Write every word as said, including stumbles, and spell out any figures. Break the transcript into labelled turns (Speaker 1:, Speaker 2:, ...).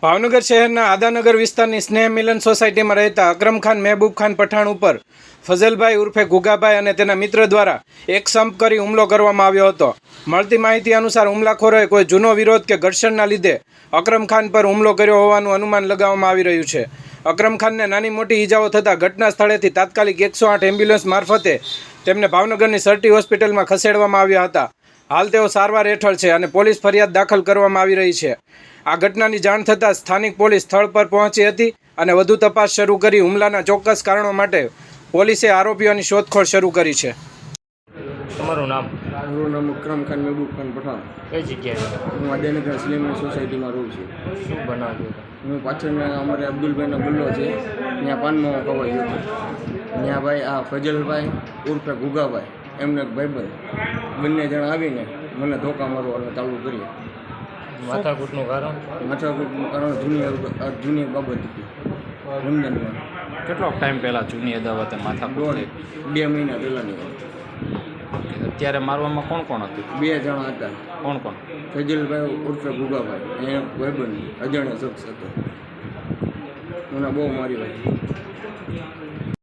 Speaker 1: ભાવનગર શહેરના આદાનગર વિસ્તારની સ્નેહ મિલન સોસાયટીમાં રહેતા અકરમ ખાન મહેબૂબ ખાન પઠાણ ઉપર ફઝલભાઈ ઉર્ફે ગુગાભાઈ અને તેના મિત્ર દ્વારા એક સંપ કરી હુમલો કરવામાં આવ્યો હતો। મળતી માહિતી અનુસાર હુમલાખોરોએ કોઈ જૂનો વિરોધ કે ઘર્ષણના લીધે અકરમ ખાન પર હુમલો કર્યો હોવાનું અનુમાન લગાવવામાં આવી રહ્યું છે। અકરમ ખાનને નાની મોટી ઈજાઓ થતાં ઘટના સ્થળેથી તાત્કાલિક એકસો આઠ એમ્બ્યુલન્સ મારફતે તેમને ભાવનગરની સરટી હોસ્પિટલમાં ખસેડવામાં આવ્યા હતા। હાલ તેઓ સારવાર હેઠળ છે અને પોલીસ ફરિયાદ દાખલ કરવામાં આવી રહી છે। આ ઘટનાની જાણ થતાં સ્થાનિક પોલીસ સ્થળ પર પહોંચી હતી અને વધુ તપાસ શરૂ કરી હુમલાના ચોક્કસ કારણો માટે પોલીસે આરોપીઓની શોધખોળ શરૂ કરી છે।
Speaker 2: તમારું નામ?
Speaker 3: મારું નામ અકરમ ખાન મહેબૂબ ખાન પઠાણ।
Speaker 2: કઈ જગ્યાએ?
Speaker 3: હું આદાનગર સ્લેમન સોસાયટીમાં રહું છું।
Speaker 2: શું બનાવ્યું?
Speaker 3: હું પાછળના અમારે અબ્દુલભાઈનો ગલ્લો છે, ત્યાં પાનમાં કવાઈ ગયો હતો। ત્યાં ભાઈ આ ફજલભાઈ ઉર્ફે ગુગાભાઈ એમને એક ભાઈબંધ બંને જણા આવીને મને ધોકા મારવાનું ચાલુ કર્યું।
Speaker 2: માથાકૂટનું કારણ?
Speaker 3: માથાકૂટનું કારણ જૂની જૂની બાબત હતી રમજાનમાં।
Speaker 4: કેટલો ટાઈમ પહેલાં જૂની અદાવતે માથાકૂટ
Speaker 3: દોઢ
Speaker 4: થઈ?
Speaker 3: બે મહિના પહેલાંની વાત।
Speaker 4: અત્યારે મારવામાં કોણ કોણ હતું?
Speaker 3: બે જણા હતા।
Speaker 4: કોણ કોણ?
Speaker 3: ફજલભાઈ ઉર્ફે ગુગાભાઈ એ ભાઈબંધ અજાણ્યો શખ્સ હતો, મને બહુ મારી ભાઈ।